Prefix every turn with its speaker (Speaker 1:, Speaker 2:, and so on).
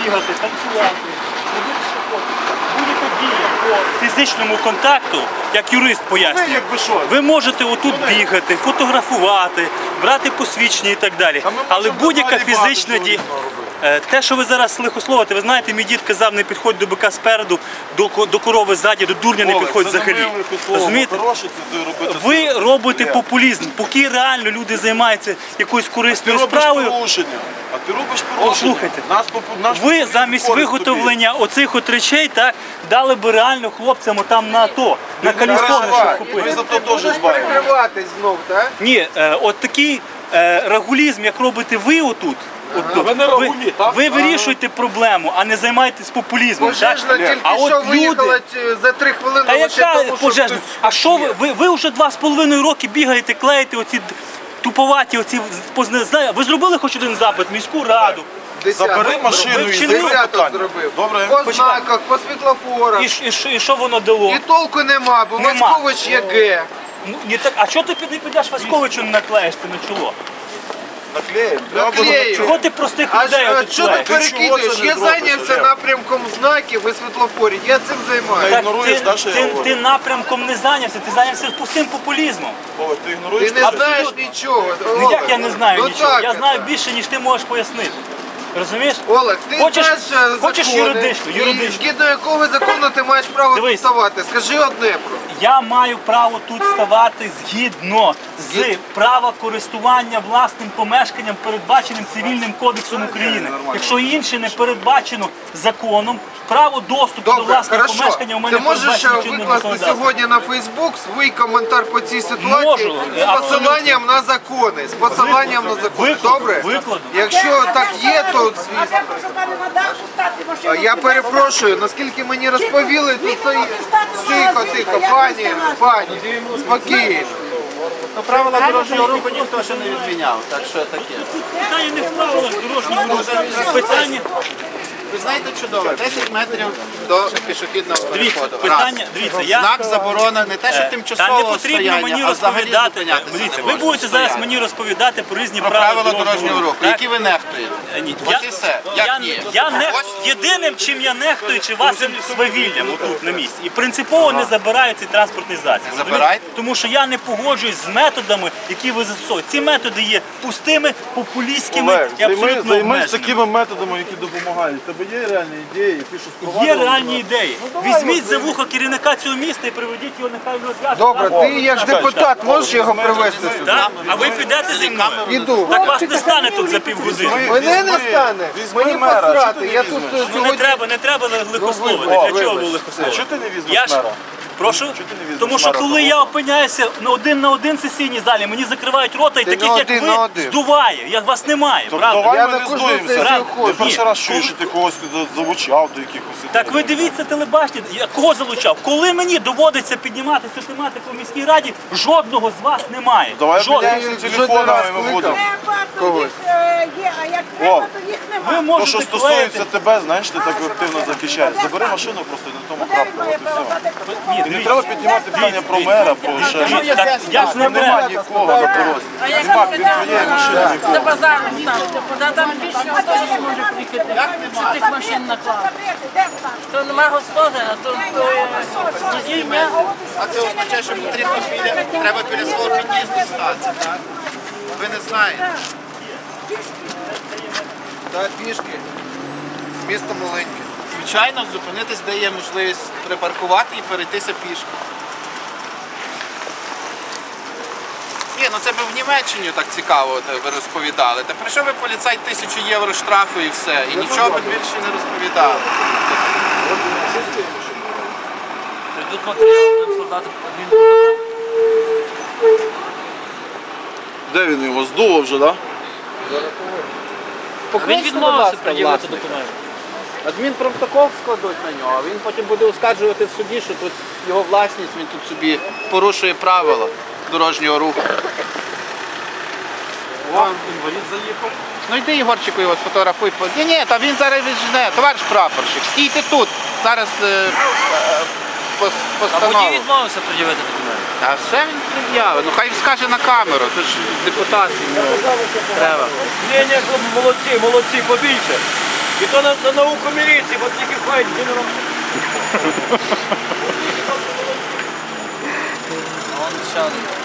Speaker 1: бігати, танцювати, робити що хочете. Будь-яка дія по фізичному контакту, як юрист пояснює, ви можете отут бігати, фотографувати, брати посвідчення і так далі. Але будь-яка фізична дія... Те, що ви зараз лихословите, ви знаєте, мій дід казав, не підходь до бика спереду, до корови ззаді, до дурня не підходь взагалі. Розумієте? Ви робите популізм, поки реально люди займаються якоюсь корисною справою.
Speaker 2: А ти робиш порушення.
Speaker 1: Слухайте, ви замість виготовлення оцих от речей, так, дали би реально хлопцям там на АТО, на калісони, щоб купити.
Speaker 2: Ви за то теж збавили.
Speaker 3: Прикриватись знов, так?
Speaker 1: Ні, от такий рагулізм, як робите ви отут, ви вирішуєте проблему, а не займаєтесь популізмом.
Speaker 3: Пожежна тільки що виїхала за 3 хвилини.
Speaker 1: Та яка пожежна? А що ви вже 2,5 роки бігаєте, клеїте оці туповаті, оці, ви зробили хоч один запит в міську раду?
Speaker 2: Забери машину і
Speaker 3: десяток зробив. По знаках, по світлофорах.
Speaker 1: І що воно дало?
Speaker 3: І толку нема, бо Васькович є Г.
Speaker 1: А чого ти не підеш Васьковичу не наклеїш це на чоло?
Speaker 3: Наклею.
Speaker 1: Чого ти простих людей
Speaker 3: А
Speaker 1: тут
Speaker 3: що ти
Speaker 1: клеїш?
Speaker 3: перекидуєш? Я зайнявся напрямком знаків і світлофорів. Я цим займаюся.
Speaker 1: Так ти напрямком не зайнявся, ти зайнявся пустим популізмом.
Speaker 3: Ти не знаєш нічого.
Speaker 1: Ну як я не знаю нічого? Я
Speaker 3: так.
Speaker 1: знаю більше, ніж ти можеш пояснити. Розумієш?
Speaker 3: Олег, ти знаєш
Speaker 1: хочеш
Speaker 3: закони,
Speaker 1: юридично,
Speaker 3: і згідно якого закону ти маєш право тут ставати? Скажи одне про.
Speaker 1: Я маю право тут ставати згідно з права користування власним помешканням, передбаченим Цивільним кодексом України. Якщо інше не передбачено законом, право доступу до власного помешкання у мене передбачено чинним законодавством.
Speaker 3: Ти можеш викласти сьогодні на Фейсбук свій коментар по цій ситуації з посиланням на закони. З посиланням на закони. Добре?
Speaker 1: Викладу.
Speaker 3: Якщо так є, то звісно. Я перепрошую, наскільки мені розповіли, то тихо, пані, спокійно.
Speaker 4: Правила дорожнього руху ніхто ще не відміняв, так що таке.
Speaker 1: Питання не в правилах дорожнього руху, питання...
Speaker 4: Ви знаєте чудово, 10 метрів до пішохідного переходу.
Speaker 1: Дивіться,
Speaker 4: Знак заборона, не те, що тимчасового стояння, а взагалі зупинятися не
Speaker 1: Дивіться, ви
Speaker 4: можна.
Speaker 1: будете зараз мені розповідати про різні
Speaker 4: правила дорожнього руху, які ви нехтуєте.
Speaker 1: Ні,
Speaker 4: Ось і все. Як ні?
Speaker 1: Єдиним, чим я нехтую, чи вашим свавіллям отут на місці. І принципово не забираю цей транспортний засіб.
Speaker 4: Забирайте.
Speaker 1: Тому що я не погоджуюсь з методами, які ви застосовуєте. Ці методи є пустими, популістськими і абсолютно
Speaker 2: Займись
Speaker 1: обмеженими.
Speaker 2: такими методами, які допомагають. Є реальні ідеї, ти що спровадив?
Speaker 1: Є реальні ідеї. Візьміть за вухо керівника цього міста і приведіть його, нехай він розв'яже.
Speaker 3: Добре, ти як депутат можеш його привезти сюди?
Speaker 1: Так? А ви підете зі мною?
Speaker 3: Іду.
Speaker 1: Так вас не стане тут за півгодини.
Speaker 3: Мене не стане. Мені посрати. Я тут
Speaker 1: Не треба лихословити. Для чого ви лихословити?
Speaker 2: Чого ти не візьмеш мера?
Speaker 1: Прошу? Тому що коли я опиняюся на один сесійній залі, мені закривають рота і таких, як ви, здуває. Як вас немає, правда?
Speaker 2: Давай
Speaker 3: Я
Speaker 2: ми
Speaker 3: на
Speaker 2: не
Speaker 3: кожну
Speaker 2: здуємося.
Speaker 3: сесію
Speaker 2: Ти
Speaker 3: ходжу.
Speaker 2: перший раз чуєш, що ти когось залучав до якихось.
Speaker 1: Так ви дивіться телебачення, я кого залучав? Коли мені доводиться піднімати цю тематику в міській раді, жодного з вас немає.
Speaker 2: Давай
Speaker 1: Жодного.
Speaker 2: обміняємося телефонами, ми будемо.
Speaker 5: Когось. Є, а як треба, то їх
Speaker 1: Ви
Speaker 5: немає.
Speaker 2: То,
Speaker 1: можете
Speaker 2: що стосується тебе, знаєш, ти так активно захищаєш. Забери машину просто і на тому крапку.
Speaker 1: Ні,
Speaker 2: Не треба піднімати питання про мера, про ще щось.
Speaker 1: я ж не
Speaker 2: Немає
Speaker 1: беру.
Speaker 2: нікого на дорозі. Нема від твоєї машини нікого.
Speaker 6: До базару ставити. Там більше автобус може приїхати. Що тих машин наклали? То нема господаря, то водіння.
Speaker 4: А це означає, що потрібно треба біля свого під'їзду стати, так? Ви не знаєте.
Speaker 3: Так, пішки. Місто маленьке.
Speaker 4: Звичайно, зупинитись, де є можливість припаркувати і перейтися пішки. Ні, ну це б в Німеччині так цікаво ви розповідали. Та прийшов би поліцай 1000 євро штрафу і все. І нічого б більше не розповідали.
Speaker 6: Прийдуть матеріали, будемо складати адмінпротокол.
Speaker 2: Де він його здуло вже, так?
Speaker 6: Він відмовився пред'явити документи.
Speaker 4: Адмінпротокол складуть на нього, а він потім буде оскаржувати в суді, що тут його власність, він тут собі порушує правила дорожнього руху.
Speaker 2: Інвалід заїхав.
Speaker 4: Ну йди, Ігорчику, його сфотографуй. Ні, та він зараз віджене, товариш прапорщик, стійте тут, зараз
Speaker 6: А
Speaker 4: постанову.
Speaker 6: водій відмовився пред'явити документи.
Speaker 4: А все він пред'явить, ну хай скаже на камеру, тут ж депутат йому треба.
Speaker 1: Ні, молодці, побільше.
Speaker 7: І то на науку міліції, бо тільки ходять генерал.
Speaker 6: Он ще один.